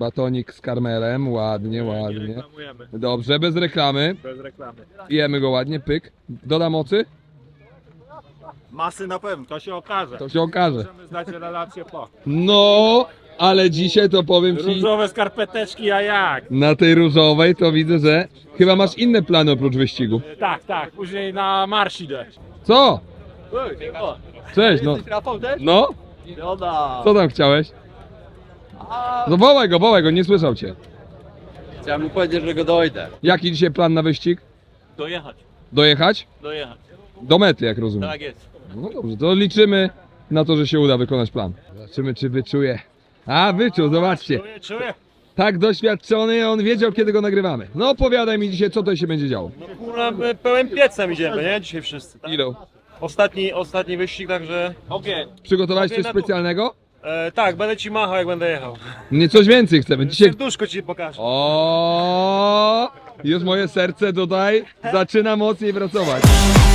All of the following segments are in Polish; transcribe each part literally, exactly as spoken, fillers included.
Batonik z karmelem, ładnie, ładnie. reklamujemy. Dobrze, bez reklamy. Bez reklamy. Jemy go ładnie, pyk. Doda mocy? Masy na pewno, to się okaże. To się okaże. Możemy zdać relację po. No, ale dzisiaj to powiem ci, Różowe skarpeteczki, a jak? na tej różowej to widzę, że chyba masz inne plany oprócz wyścigu. Tak, tak, później na marsz idę. Co? Cześć, no. No? Co tam chciałeś? No wołaj go, wołaj go, nie słyszał cię. Chciałem mu powiedzieć, że go dojdę. Jaki dzisiaj plan na wyścig? Dojechać, Dojechać? dojechać. Do mety, jak rozumiem. Tak jest. No dobrze, to liczymy na to, że się uda wykonać plan. Zobaczymy, czy wyczuje. A, wyczuł, zobaczcie. Czuję, czuję. Tak doświadczony, on wiedział, kiedy go nagrywamy. No opowiadaj mi dzisiaj, co tutaj się będzie działo. No kurwa, my pełen piecem idziemy, nie? Dzisiaj wszyscy. Tak? Ilu? Ostatni, ostatni wyścig, także ogień. Przygotowałeś coś Ogień na dół. specjalnego? E, tak, będę ci machał, jak będę jechał. Nie, coś więcej chcemy. Dzisiaj... Serduszko ci pokażę. O, już moje serce tutaj zaczyna mocniej pracować.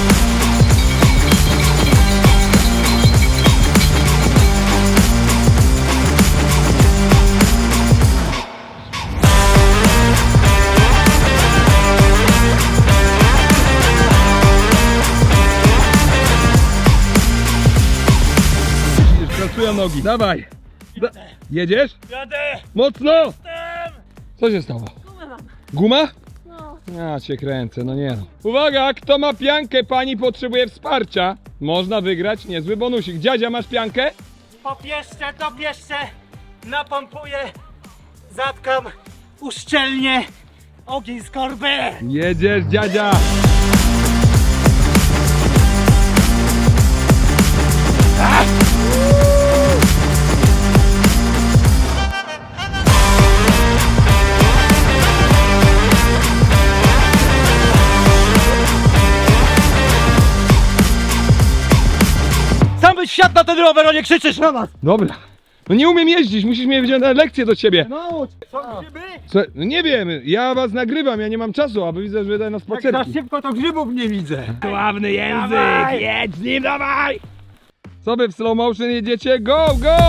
Pracują nogi. Dawaj. Da Jedziesz? Jadę! Mocno! Co się stało? Guma? No. Ja cię kręcę, no nie no. Uwaga, kto ma piankę, pani potrzebuje wsparcia. Można wygrać niezły bonusik. Dziadzia, masz piankę? Popieszczę, dopieszczę, napompuję, zatkam, uszczelnię, ogień z korby! Jedziesz, dziadzia! Sam byś wsiadł na ten rower, a nie krzyczysz na nas! Dobra. No nie umiem jeździć, musisz mnie wziąć na lekcję do ciebie. No, co grzyby? Co? No nie wiem, ja was nagrywam, ja nie mam czasu, a wy widzę, że wydaje na Jak za spacerki. szybko to grzybów nie widzę! Sławny język, Dawaj! jedź z nim, dawaj! Co wy w slow motion jedziecie? Go, go!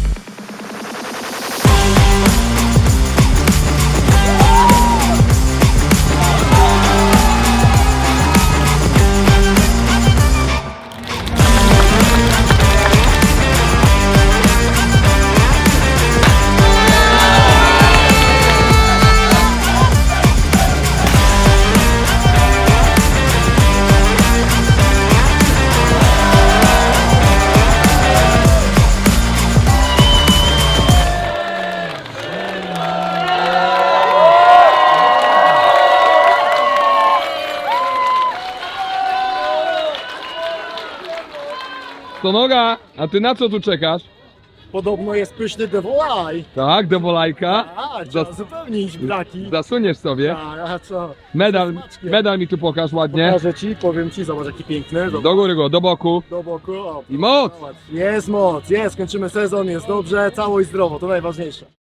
To noga, a ty na co tu czekasz? Podobno jest pyszny devolaj. Tak, do wolajka. A, trzeba trzeba zupełnić braki. Zasuniesz sobie. A, a co? Medal, Smaczkiem. medal mi tu pokaż ładnie. Pokażę ci, powiem ci, zobacz jaki piękny. Zobacz. Do góry go, do boku. Do boku. O, I moc! zobacz. Jest moc, jest, kończymy sezon, jest dobrze, cało i zdrowo, to najważniejsze.